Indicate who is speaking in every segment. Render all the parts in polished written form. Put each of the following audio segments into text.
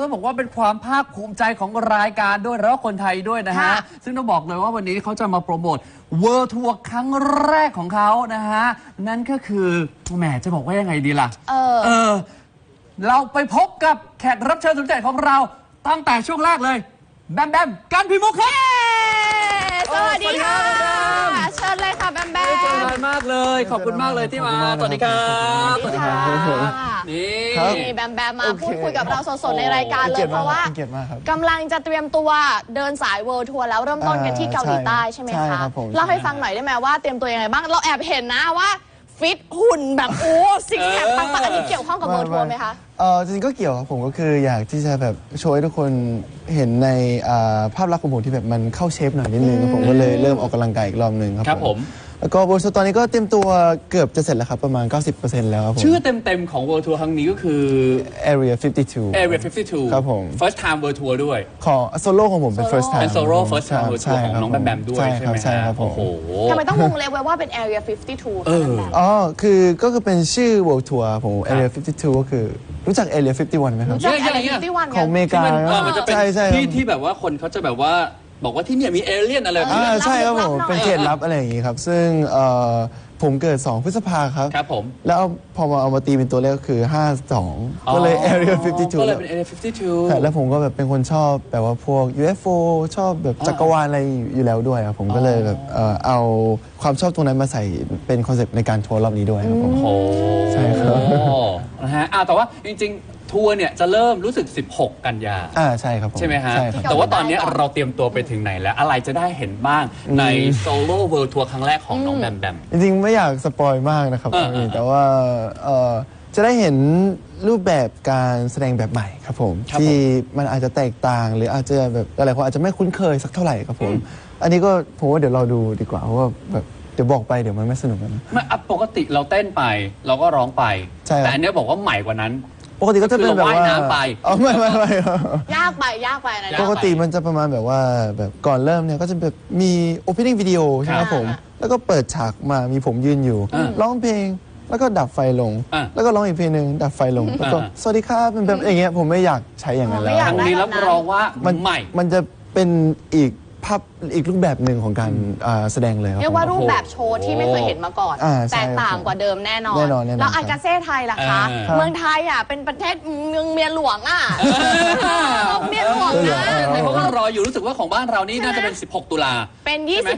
Speaker 1: ต้องบอกว่าเป็นความภาคภูมิใจของรายการด้วยแล้วก็คนไทยด้วยนะฮะซึ่งต้องบอกเลยว่าวันนี้เขาจะมาโปรโมทเวิลด์ทัวร์ครั้งแรกของเขานะฮะนั่นก็คือแหมจะบอกว่ายังไงดีล่ะเราไปพบกับแขกรับเชิญสุดใจของเราตั้งแต่ช่วงแรกเลยแบมแบมกันพิมุกครับ
Speaker 2: สวัสดีค่ะเชิญเลยค่ะแบมแบม
Speaker 1: เจอกันมากเลยขอบคุณมากเลยที่มาสวัสดีครับ
Speaker 2: สวัสดีค่ะนี่แบมแบมมาพูดคุยกับเราสดๆในรายการเลยเพราะว่ากำลังจะเตรียมตัวเดินสายเวิลด์ทัวร์แล้วเริ่มต้นกันที่เกาหลีใต้ใช่ไหมคะเล่าให้ฟังหน่อยได้ไหมว่าเตรียมตัวยังไงบ้างเราแอบเห็นนะว่าฟิตหุ่นแบบโอ้ซิกแพคปังๆอันนี้เกี่ยวข้องกับเวิลด์ทัวร์ไหมคะ
Speaker 3: จริงๆก็เกี่ยวครับผมก็คืออยากที่จะแบบโชว์ให้ทุกคนเห็นในภาพลักษณ์ของผมที่แบบมันเข้าเชฟหน่อยนิดนึงผมก็เลยเริ่มออกกำลังกายอีกรอบหนึ่งครับผมแล้วก็โบสตอนนี้ก็เตรียมตัวเกือบจะเสร็จแล้วครับประมาณ 90% แล้วครับผม
Speaker 1: ชื่อเต็มๆของ World Tour ครั้งนี้ก็คือ
Speaker 3: Area 52
Speaker 1: ครับ
Speaker 3: ผม
Speaker 1: First time World Tour ด้วย
Speaker 3: ของโซโล่ของผมเป็น First time
Speaker 1: เป็นโซโล่ First time World Tour ของน้องแบมแบมด้วยใช่ไหมครับ
Speaker 3: โอ้โห
Speaker 2: ทำไมต้องวงเล็บไว้ว่าเป็น Area 52คะแบมแบม
Speaker 3: ก็คือเป็นชื่อ World Tour ผม Area 52ก็คือรู้จัก Area 51ไหมครับ
Speaker 2: รู้จัก Area 51
Speaker 3: ของอเมริกา
Speaker 1: มันจะเป็นที่แบบว่าคนเขาจะแบบว่าบอกว่าที่เนี่ยมีเอเลี่ยนอะไรแบบนี้
Speaker 3: ใช่ครับผมเป็นเขตลับอะไรอย่างนี้ครับซึ่งผมเกิด2 พฤษภา
Speaker 1: ครับผม
Speaker 3: แล้วพอมาเอามาตีเป็นตัวเลขก็คือ52ก็เลย Area 52
Speaker 1: ก็เลยเป็น Area 52
Speaker 3: แล้วผมก็แบบเป็นคนชอบแบบว่าพวก UFO ชอบแบบจักรวาลอะไรอยู่แล้วด้วยครับผมก็เลยแบบเอาความชอบตรงนั้นมาใส่เป็นคอนเซ็ปต์ในการทัวร์รอบนี้ด้วยครับผมใช่ครับ
Speaker 1: นะฮะแต่ว่าจริงทัวร์เนี่ยจะเริ่มรู้สึก16 กันยา
Speaker 3: ใช่ครับผม
Speaker 1: ใช่ไหมฮะแต่ว่าตอนนี้เราเตรียมตัวไปถึงไหนแล้วอะไรจะได้เห็นบ้างในโซโล่เวิลด์ทัวร์ครั้งแรกของน้องแบมแบม
Speaker 3: จริงๆไม่อยากสปอยมากนะครับแต่ว่าจะได้เห็นรูปแบบการแสดงแบบใหม่ครับผมที่มันอาจจะแตกต่างหรืออาจจะแบบหลายคนอาจจะไม่คุ้นเคยสักเท่าไหร่ครับผมอันนี้ก็ผมว่าเดี๋ยวเราดูดีกว่าเพราะว่าแบบเดี๋ยวบอกไปเดี๋ยวมันไม่สนุกนะ
Speaker 1: ไม่ปกติเราเต้นไปเราก็ร้องไปแต่อันนี้บอกว่าใหม่กว่านั้น
Speaker 3: ปกติก็จะเป็นแบบว่า
Speaker 1: น้ำไป
Speaker 3: ไม่
Speaker 2: ยากไปนะ
Speaker 3: ปกติมันจะประมาณแบบว่าแบบก่อนเริ่มเนี่ยก็จะแบบมี opening video ใช่ไหมผมแล้วก็เปิดฉากมามีผมยืนอยู่ร้องเพลงแล้วก็ดับไฟลงแล้วก็ร้องอีกเพลงหนึ่งดับไฟลงแล้วก็สวัสดีครับเป็นแบบอย่างเงี้ยผมไม่อยากใช้อย่างนั้นแล้ว
Speaker 1: ครั้งนี้รับรองว่าใหม่
Speaker 3: มันจะเป็นอีกรูปแบบหนึ่งของการแสดงเลย
Speaker 2: เรียกว่ารูปแบบโชว์ที่ไม่เคยเห็นมาก่อนแตกต่างกว่าเดิมแน่นอนแล้วอากาเซ่ไทยล่ะคะเมืองไทยเป็นประเทศเมืองเมียหลวงเมียหลวงนะ
Speaker 1: เขาก็รออยู่รู้สึกว่าของบ้านเรานี่น่าจะเป็น16 ตุลา
Speaker 2: เป็น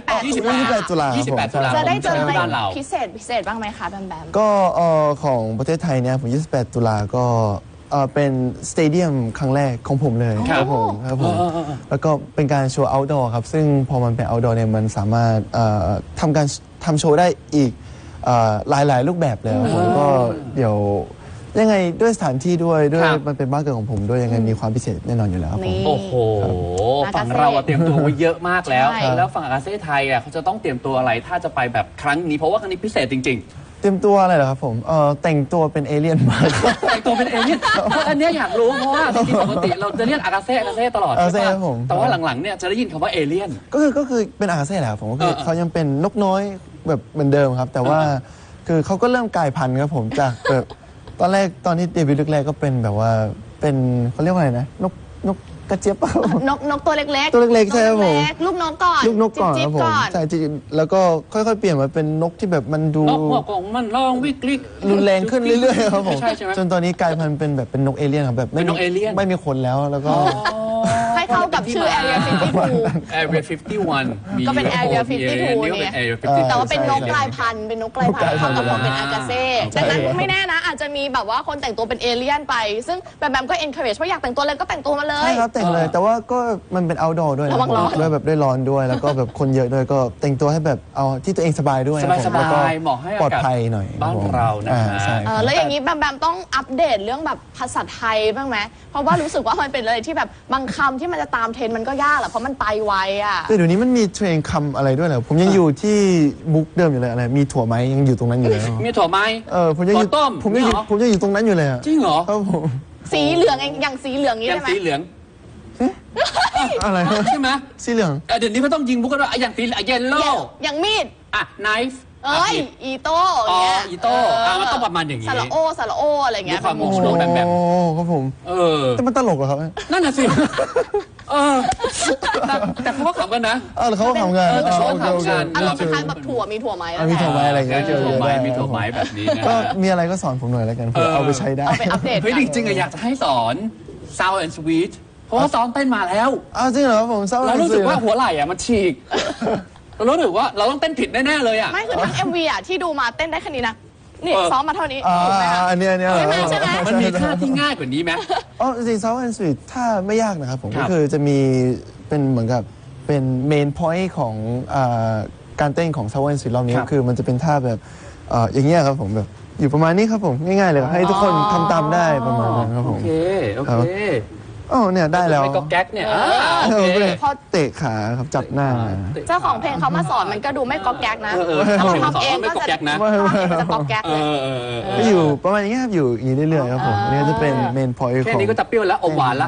Speaker 2: 28
Speaker 3: ตุลา
Speaker 2: จะได้เจออะไรพิเศษบ้างไหมคะแบมแบม
Speaker 3: ก็ของประเทศไทยเนี่ยผม28 ตุลาก็เป็นสเตเดียมครั้งแรกของผมเลยครับผมแล้วก็เป็นการโชว์ outdoor ครับซึ่งพอมันเป็น outdoor เนี่ยมันสามารถทำโชว์ได้อีกหลายรูปแบบเลยผมก็เดี๋ยวยังไงด้วยสถานที่ด้วยมันเป็นบ้านเกิดของผมด้วยยังไงมีความพิเศษแน่นอนอยู่แล้วครับผม
Speaker 1: โอ้โหฝั่งเราเตรียมตัวไว้เยอะมากแล้วแล้วฝั่งอากาเซ่ไทยเขาจะต้องเตรียมตัวอะไรถ้าจะไปแบบครั้งนี้เพราะว่าครั้งนี้พิเศษจริง
Speaker 3: เตรียมตัวอะไรเหรอครับผมแต่งตัวเป็นเอเลี่ยนมา
Speaker 1: แต่งตัวเป็นเอเลี่ยนอันนี้อยากรู้เพราะว่าจริงๆปกติเราจะเรียกอากาเซ่ตลอดใช่ไหมแต่ว่าหลังๆเนี่ยจะได้ยินคำว่าเอเลี่ยน
Speaker 3: ก็คือเป็นอากาเซ่แหละผมก็คือเขายังเป็นนกน้อยแบบเหมือนเดิมครับแต่ว่าคือเขาก็เริ่มกลายพันธุ์ครับผมจากแบบตอนที่เดบิวต์แรกก็เป็นแบบว่าเป็นเขาเรียกว่าอะไรนะนกกระเจี๊ยบ
Speaker 2: นกตัวเล็ก
Speaker 3: ๆใช่ครับผม
Speaker 2: ลูกนกก่อน
Speaker 3: ครับผมใช่แล้วก็ค่อยๆเปลี่ยนมาเป็นนกที่แบบมันดู
Speaker 1: นกหัวกองมันร้องวิกฤต
Speaker 3: รุนแรงขึ้นเรื่อยๆครับผมจนตอนนี้กลายพันธุ์เป็นแบบเป็นนกเอเลี่ยนครับแบบไม่มีคนแล้วก็
Speaker 2: ให้เข้ากับชื่อ Area
Speaker 1: 51
Speaker 2: ก็เป็น Area 52เนี่ยแต่ว่าเป็นนกกลายพันธุ์เข้ากับความเป็นอากาเซ่ดังนั้นไม่แน่นะอาจจะมีแบบว่าคนแต่งตัวเป็นเอเลี่ยนไปซึ่งแบมก็ encourage ว่าอยากแต่งตัวเลยก็แต่งตัวมาเลย
Speaker 3: ใช่ครับแต่งเลยแต่ว่าก็มันเป็น outdoor ด้วยนะด้วยแบบด้วยร้อนด้วยแล้วก็แบบคนเยอะด้วยก็แต่งตัวให้แบบเอาที่ตัวเองสบายด้วย
Speaker 1: สบายเหมาะให้
Speaker 3: ปลอดภัยหน่อย
Speaker 1: บ้านเรานะ
Speaker 2: แล้วอย่างนี้แบมต้องอัปเดตเรื่องแบบภาษาไทยบ้างไหมเพราะว่ารู้สึกว่ามันเป็นอะไรที่แบบบางคำที่มันจะตามเทรนมันก็ยากแหละเพราะมันไปไว
Speaker 3: แต่เดี๋ยวนี้มันมีเทรนคำอะไรด้วยเหรอผมยังอยู่ที่มุกเดิมอยู่เลยอะไรมีถั่วไหมยังอยู่ตรงนั้นอยู่เลย
Speaker 1: มีถั่วไหม
Speaker 3: ผมยังอยู่
Speaker 1: ต้ม
Speaker 3: ผมยังอยู่ตรงนั้นอยู่เลย
Speaker 1: จริงเหรอ
Speaker 3: ครับผม
Speaker 2: สีเหลืองอย่างสีเหลืองนี้ใช่ไหม
Speaker 1: สีเหลือง
Speaker 3: อะไร
Speaker 1: ใช่ไหม
Speaker 3: สีเหลือง
Speaker 1: เดี๋ยวนี้เขาต้องยิงมุกกันว่าอย่างสีเยลโล่
Speaker 2: อย่างมีด
Speaker 1: ไนฟ์
Speaker 2: เอ้ยอีโต้อย่างเงี้ย
Speaker 1: อีโต้มันต้องประมาณอย่างงี้
Speaker 2: สระโออะไรเงี้ย
Speaker 1: ด้วยความโมโห แบบ
Speaker 3: โอ้ครับผมแต่มันตลกเหรอครับ
Speaker 1: นั่นน่ะสิแต่เขาก็ขำกันนะ
Speaker 3: แล้วเขาก็ทำงาน
Speaker 1: แต่เขาก็ทำงาน
Speaker 2: อารมณ์คล้ายๆแบบถั่วมีถั่วไหม
Speaker 3: มีถั่วไหมอะไรเงี้ย
Speaker 1: มีถั่วไม้มีถั่วไม้แบบนี้นะ
Speaker 3: ก็มีอะไรก็สอนผมหน่อยแล้วกันเพื่อเอาไปใช้ได้
Speaker 2: เอาไปอัปเดต
Speaker 1: เฮ้ยจริงๆอะอยากจะให้สอน Sound and Sweet เพราะว่าซ้อมเต้นมาแล้ว
Speaker 3: อ้าวจริงเหรอครับผมเศร้า
Speaker 1: เรารู้สึกว่าหัวไหล่อะมันฉีกเรารู้สึกว่าเราต้องเต้นผิดแน่ๆเลยอะ
Speaker 2: ไม่คือทั้ง MV อ่ะที่ดูมาเต้นได้แค่นี้นะนี่ซ้อมมาเท่านี้
Speaker 3: อ่า
Speaker 2: ถูกไหมคะ
Speaker 3: อันเนี้ย
Speaker 2: ใช่ไหม
Speaker 1: มันมีท่าที่ง่ายกว่านี้ไหม
Speaker 3: อ๋อจริงๆ Sound and Sweet ถ้าไม่ยากนะครับผม
Speaker 1: ครั
Speaker 3: ก็
Speaker 1: บ
Speaker 3: คือจะมีเป็นเหมือนกับเป็นเมนพอยต์ของการเต้นของ Sound and Sweet รอบนี้
Speaker 1: ครับ
Speaker 3: ก็คือมันจะเป็นท่าแบบอย่างเงี้ยครับผมแบบอยู่ประมาณนี้ครับผมง่ายๆเลยให้ทุกคนทำตามได้ประมาณนั้นครับผม
Speaker 1: โอเค
Speaker 3: อ๋อเนี่ยได้แล้ว
Speaker 1: ไม่ก็แก๊กเนี่ยโอเค
Speaker 2: พอ
Speaker 3: เตะขาครับจับหน้า
Speaker 2: เจ้าของเพลงเขามาสอนมันก็ดูไม่ก๊อกแก๊กนะถ้าเราทำเองก็จะทำเองก็จะก๊อกแก๊กเลย
Speaker 3: ก็อยู่ประมาณนี้ครับอยู่อย่างนี้เรื่อยๆครับผมนี่จะเป็นเมนพอยต์
Speaker 1: แค่
Speaker 3: ของ
Speaker 1: นี้ก็จะเปรี้ยวแล้วอมหวานละ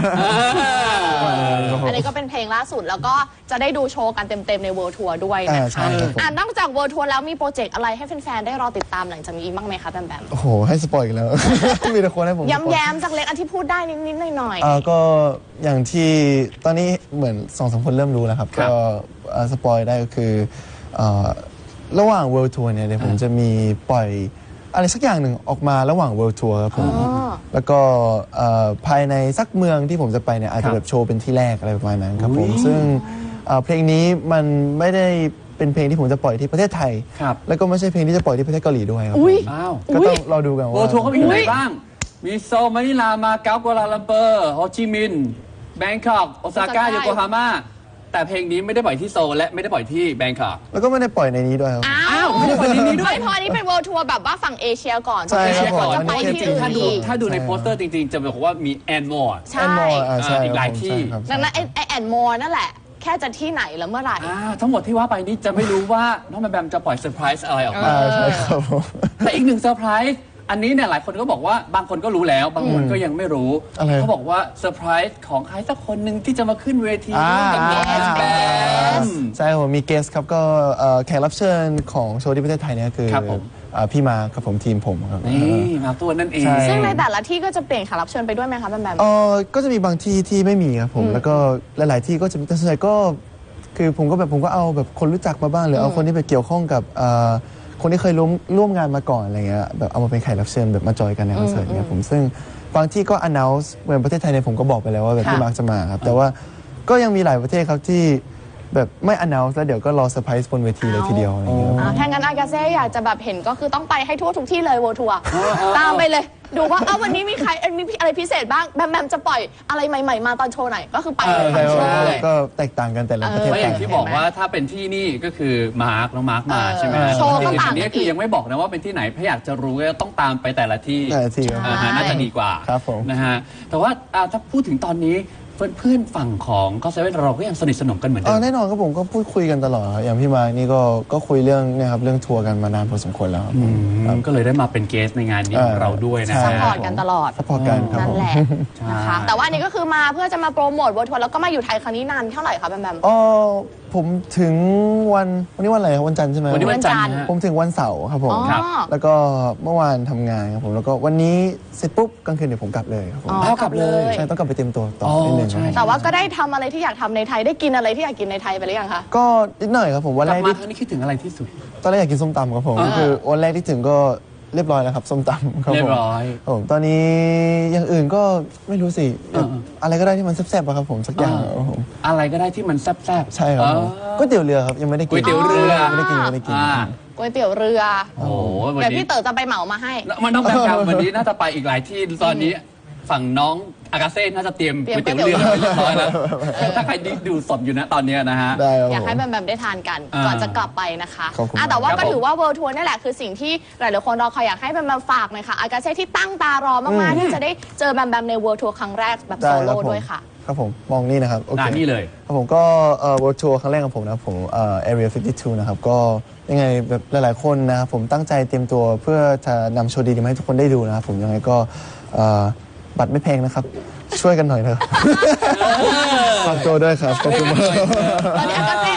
Speaker 2: อันนี้ก็เป็นเพลงล่าสุดแล้วก็จะได้ดูโชว์กันเต็มๆใน World Tour ด้วยนะ
Speaker 3: ใช่
Speaker 2: คะ
Speaker 3: ครับผม
Speaker 2: นอกจาก World Tour แล้วมีโปรเจกต์อะไรให้แฟนๆได้รอติดตามหลังจากนี้อีกบ้างไหมคะแบมแบม
Speaker 3: โอ้โหให้สปอยอีกแล้ว มีแต่คนให้ผมสปอย
Speaker 2: ย้ำๆสักเล็กอันที่พูดได้นิดๆหน่อย
Speaker 3: ก็อย่างที่ตอนนี้เหมือน2-3 คนเริ่มรู้แล้วครับ
Speaker 1: ครับ
Speaker 3: ก็สปอยได้ก็คือระหว่าง World Tour เนี่ยเดี๋ยวผมจะมีปล่อยอะไรสักอย่างหนึ่งออกมาระหว่าง World Tour ครับผมแล้วก็ภายในสักเมืองที่ผมจะไปเนี่ยอาจจะแบบโชว์เป็นที่แรกอะไรประมาณนั้นครับผมซึ่งเพลงนี้มันไม่ได้เป็นเพลงที่ผมจะปล่อยที่ประเทศไทย
Speaker 1: ครับ
Speaker 3: แล้วก็ไม่ใช่เพลงที่จะปล่อยที่ประเทศเกาหลีด้วยครับผม
Speaker 1: อ้าว
Speaker 3: ก็ต้องรอดูกัน
Speaker 1: โว
Speaker 3: ว่า
Speaker 1: ทัวร์เขามีที่ไหนบ้าง มีโซลมะนิลา มาเก๊ากัวลาลัมเปอร์ โฮจิมินห์ แบงคอกโอซาก้า โยโกฮาม่า แต่เพลงนี้ไม่ได้ปล่อยที่โซลและไม่ได้ปล่อยที่แบงคอก
Speaker 3: แล้วก็ไม่ได้ปล่อยในนี้ด้วยครับ
Speaker 2: ๆอ้า
Speaker 1: อ้าว
Speaker 2: ว
Speaker 1: ไม่ได้ปล่อยที่นี่ด้วย
Speaker 2: ไม่พออันนี้เป็น World Tour แบบว่าฝั่งเอเชียก่อน
Speaker 3: ใช่ครับ
Speaker 2: เอเชียก่อน
Speaker 3: ผม
Speaker 2: จะไป
Speaker 3: อันนี้
Speaker 2: ที่
Speaker 3: จริง
Speaker 2: อื่น
Speaker 1: ถ้าดู
Speaker 2: อีก
Speaker 1: ถ้าดูในโปสเตอร์จริงๆ จะบอกว่ามีแอนมอร์
Speaker 2: ใช่
Speaker 3: แอนมอร์ใช่
Speaker 1: อีกหลาย
Speaker 3: ครับผม
Speaker 1: ที่
Speaker 3: ใช่ครับ
Speaker 2: ดังนั้นไอแอนมอร์นั่นแหละ แค่จะที่ไหนแล้วเมื่อไหร่
Speaker 1: ทั้งหมดที่ว่าไปนี้จะไม่รู้ว่าน้องแบมแบมจะปล่อยเซอร์ไพรส์อะไรออกมา
Speaker 3: ใช่ครับผม
Speaker 1: แต่อีกหนึ่งเซอร์ไพรส์อันนี้เนี่ยหลายคนก็บอกว่าบางคนก็รู้แล้ว บางคนก็ยังไม่รู้
Speaker 3: อะไร
Speaker 1: เขาบอกว่าเซอร์ไพรส์ของใครสักคนหนึ่งที่จะมาขึ้นเวทีร่วมกับน้องแบมแบม
Speaker 3: ใช่ครับผมมีเกสครับก็แขกรับเชิญของโชว์ที่ประเทศไทยเนี่ยคือ
Speaker 1: ครับผม
Speaker 3: พี่มาครับผมทีมผมครับ
Speaker 1: นี่มาตัวนั่นเอง
Speaker 3: ใช่
Speaker 2: ซึ่งในแต่ละที่ก็จะเปลี่ยนแขกรับเชิญไปด้วยไหมคะแบมแบม
Speaker 3: ก็จะมีบางที่ที่ไม่มีครับผมแล้วก็หลาย ๆ ที่ก็จะมีแต่ส่วนใหญ่ก็คือผมก็เอาแบบคนรู้จักมาบ้างหรือเอาคนที่ไปเกี่ยวข้องกับคนที่เคยร่วมงานมาก่อนอะไรเงี้ยแบบเอามาเป็นแขกรับเชิญแบบมาจอยกันในคอนเสิร์ตเนี่ยผมซึ่งบางที่ก็ announce เหมือนประเทศไทยเนี่ยผมก็บอกไปแล้วว่าแบบพี่มาร์คจะมาครับแต่ว่าก็ยังมีหลายประเทศครับที่แบบไม่ announce แล้วเดี๋ยวก็รอเซอร์ไพรส์บนเวทีเลยทีเดียวอะไรเงี้ย
Speaker 2: ถ้างั้นอากาเซ่อยากจะแบบเห็นก็คือต้องไปให้ทั่วทุกที่เลย World Tour ตามไปเลย ดูว่าวันนี้มีใครมีอะไรพิเศษบ้างแบมแบมจะปล่อยอะไรใหม่ ๆ มาตอนโชว์ไหนก็คือไปเลย
Speaker 3: ใช่
Speaker 2: ทั้งโชว์
Speaker 3: ว่า
Speaker 2: เลย
Speaker 3: ก็แตกต่างกันแต่ละประเทศ
Speaker 1: เพราะอย่าง
Speaker 3: ต่าง
Speaker 1: ที่บอกว่าถ้าเป็นที่นี่ก็คือมาร์คน้องมาร์คมาใช่ไหมฮะ
Speaker 2: โชว์ก็
Speaker 1: ที
Speaker 2: ต่างกันอีก
Speaker 1: นี้คือยังไม่บอกนะว่าเป็นที่ไหนถ้าอยากจะรู้ก็ต้องตามไปแต่ละที่
Speaker 3: แต่ละที่ครับ
Speaker 1: น่าจะดีกว่า
Speaker 3: ครับผม
Speaker 1: นะฮะแต่ว่าถ้าพูดถึงตอนนี้เพื่อนๆฝั่งของก็เซเว่นเราก็ยังสนิทสนมกันเหมือนเดิม
Speaker 3: แน่นอนครับผมก็พูดคุยกันตลอดครับอย่างพี่มาร์คนี่ก็คุยเรื่องเนี่ยครับเรื่องทัวร์กันมานานพอสมควรแล้วครับผม
Speaker 1: ก็เลยได้มาเป็นเกสในงานนี้ของเราด้วยนะ
Speaker 3: ใช่
Speaker 2: ซัพพอร์ตกันตลอด
Speaker 3: ซัพพอร์ตกันครับ
Speaker 2: นั่
Speaker 3: ผ
Speaker 2: น
Speaker 3: ม
Speaker 2: แหละนะคะแต่ว่าอันนี้ก็คือมาเพื่อจะมาโปรโมท World Tour แล้วก็มาอยู่ไทยครั้งนี้นานเท่าไหร่คะแบมแบม
Speaker 3: ผมถึงวันนี้วันอะไรครับวันจันทร์ใช่ไหม
Speaker 1: วันนี้วันจันทร์ฮะ
Speaker 3: ผมถึงวันเสาร์ครับผม
Speaker 2: อ๋อ
Speaker 1: ครับ
Speaker 3: แล้วก็เมื่อวานทำงานครับผมแล้วก็วันนี้เสร็จปุ๊บกลางคืนเดี๋ยวผมกลับเลยครับผม
Speaker 1: เอากลับเลย
Speaker 3: ใช่ต้องกลับไปเตรียมตัวต่อ
Speaker 1: อ๋อ
Speaker 3: นิดนึง
Speaker 1: ใช่
Speaker 3: ครับ
Speaker 2: แต่ว่าก็ได้ทำอะไรที่อยากทำในไทยได้กินอะไรที่อยากกินในไทยไปหรือยังคะ
Speaker 3: ก็นิดหน่อยครับผมวัน
Speaker 1: ก
Speaker 3: แร
Speaker 1: ลับ
Speaker 3: ก
Speaker 1: มา
Speaker 3: ที่
Speaker 1: ครั้งนี้คิดถึงอะไรที่สุด
Speaker 3: ตอนแรกอยากกินส้มตำครับผม
Speaker 1: อ่า
Speaker 3: คือวันแรกที่ถึงก็เรียบร้อยแล้วครับส้มตำครับผม
Speaker 1: เรียบร้อย
Speaker 3: ครับผมตอนนี้อย่างอื่นก็ไม่รู้สิอะไรก็ได้ที่มันแซ่บๆอะครับผมสักอย่างครับผม
Speaker 1: อะไรก็ได้ที่มันแซ่บๆ
Speaker 3: ใช่ครับผมก๋วยเตี๋ยวเรือครับยังไม่ได้กิน
Speaker 1: ก๋วยเตี๋ยวเรือ
Speaker 3: ไม่ได้กินไม่ได้กิน
Speaker 2: ก๋วยเตี๋ยวเรือ
Speaker 1: โอ้โหวัน
Speaker 2: เดี๋ยว
Speaker 1: นี้
Speaker 2: พี่เต๋อจะไปเหมามาให้
Speaker 1: มันต้องแบบวันนี้น่าจะไปอีกหลายที่ตอนนี้ฝั่งน้องอากาเซ่น่าจะเตรียม
Speaker 2: เตรียม
Speaker 1: ก๋วยเตี๋ยวเรือ
Speaker 2: ก๋วยเตี๋ยว
Speaker 1: เรียบร้อยแล้วถ้าใครดูสดอยู่นะตอนเนี้ยนะฮะ
Speaker 3: ได้ครับ
Speaker 2: อยาก
Speaker 3: ผม
Speaker 2: ให้แบมแบมได้ทานกัน
Speaker 1: อ่า
Speaker 2: ก่อนจะกลับไปนะคะ
Speaker 3: ขอบคุณ
Speaker 2: แต่ว่า
Speaker 1: ครับ
Speaker 2: ก็ถือ
Speaker 1: ผม
Speaker 2: ว่า World Tour นี่แหละคือสิ่งที่หลายๆคนรอคอยอยากให้แบมแบมฝากหน่อยค่ะอากาเซ่ที่ตั้งตารอมากๆที่จะได้เจอแบมแบมใน World Tour ครั้งแรกแบบโซ
Speaker 3: ได้ค
Speaker 2: โล่
Speaker 3: รับผม
Speaker 2: ด้วยค่ะ
Speaker 3: ครับผมมองนี่นะครับโอเค
Speaker 1: นี่เลย
Speaker 3: ครับผมก็World Tour ครั้งแรกของผมนะครับผมArea 52 นะครับก็ยังไงแบบหลายๆคนนะครับผมตั้งใจเตรียมตัวเพื่อจะนำโชว์ดีๆมาให้ทุกคนได้ดูนะครับผมยังไงก็บัตรไม่แพงนะครับ ช่วยกันหน่อยนะครับฝากตัวด้วยครับขอบคุณมาก
Speaker 2: ตอนนี้อากาเซ่บอก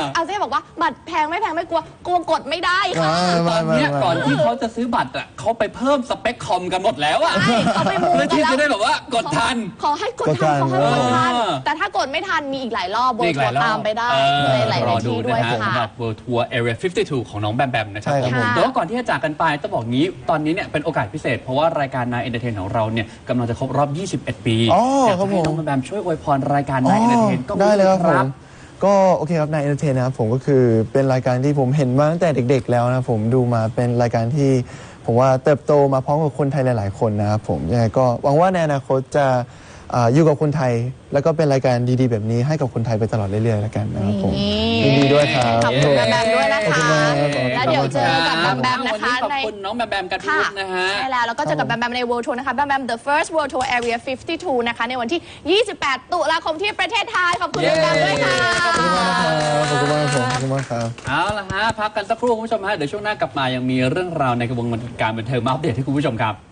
Speaker 2: บอกว่าบัตรแพงไม่แพงไม่กลัวกดไม่ได้ค่ะ
Speaker 1: ตอนเนี้ยก่อนที่เขาจะซื้อบัตรอ่ะเขาไปเพิ่มสเปคคอมกันหมดแล้วอ่ะ
Speaker 2: ใช่เขาไปมู
Speaker 1: เพื่อ
Speaker 2: กัน
Speaker 1: ที่
Speaker 2: แล้ว
Speaker 1: จะได้แบบว่ากดทัน
Speaker 2: ขอให้กดทันขอให้กดทัน
Speaker 1: เออ
Speaker 2: แต่ถ้ากดไม่ทันมีอีกหลายรอบเวิร์
Speaker 1: อีกหลายรอบ
Speaker 2: ตามไปได้ในหลาย
Speaker 1: รอดู
Speaker 2: ที่ด้ว
Speaker 1: นะ
Speaker 2: ย
Speaker 1: ฮะ
Speaker 2: ค่ะ
Speaker 1: สำหรับ World Tour Area 52 ของน้องแบมแบมนะครับ
Speaker 3: ใช่ครับผม
Speaker 1: แต่ว่าก่อนที่จะจากกันไปต้องบอกงี้ตอนนี้เนี่ยเป็นโอกาสพิเศษ เพราะว่ารายการ Nine Entertain ของเราเนี่ยกำลังจะครบรอบ 21 ปี
Speaker 3: อ๋อ
Speaker 1: อยาก
Speaker 3: ครั
Speaker 1: จะ
Speaker 3: บ
Speaker 1: ให้
Speaker 3: ผม
Speaker 1: น้องแบมแบมช่วยอวยพรรายการ Nine Entertain ก็
Speaker 3: ได้เลยครับ
Speaker 1: ค
Speaker 3: ผ
Speaker 1: รั
Speaker 3: ม
Speaker 1: บ
Speaker 3: ก็โอเคครับนายเอนเตอร์เทนนะครับผมก็คือเป็นรายการที่ผมเห็นมาตั้งแต่เด็ก ๆ แล้วนะผมดูมาเป็นรายการที่ผมว่าเติบโตมาพร้อมกับคนไทยหลายๆคนนะครับผมยังไงก็หวังว่าในอนาคตจะอยู่กับคนไทย แล้วก็เป็นรายการดีๆแบบนี้ให้กับคนไทยไปตลอดเรื่อยๆแล้วกันนะครับผมยินดีด้วยครับ
Speaker 2: ขอบคุณแบมแบมด้วยนะ
Speaker 3: ขอบคุ
Speaker 2: คะ
Speaker 3: ณมากครับ
Speaker 2: แล้วเดี๋ยวเจอกับแบมแบมนะคะ
Speaker 1: วันนี้ขอบ
Speaker 2: ใน
Speaker 1: คุณน้องแบมแบมกันทุ
Speaker 2: ค่ะ
Speaker 1: กนะฮะ
Speaker 2: ใช่แล้วก็เจอกับแบมแบมใน World Tour นะคะแบมแบม The First World Tour Area 52 นะคะในวันที่ 28 ตุลาคมที่ประเทศไทย ขอบคุณแบมแบมด้วยค่ะ
Speaker 3: ขอบคุณมากครับขอบคุณมากครับขอบคุณมากครับ
Speaker 1: เอาละฮะพักกันสักครู่คุณผู้ชมฮะเดี๋ยวช่วงหน้ากลับมายังมีเรื่องราวในกระบวนการบันเทิงมาอัปเดตให้คุณผู้ชมครับ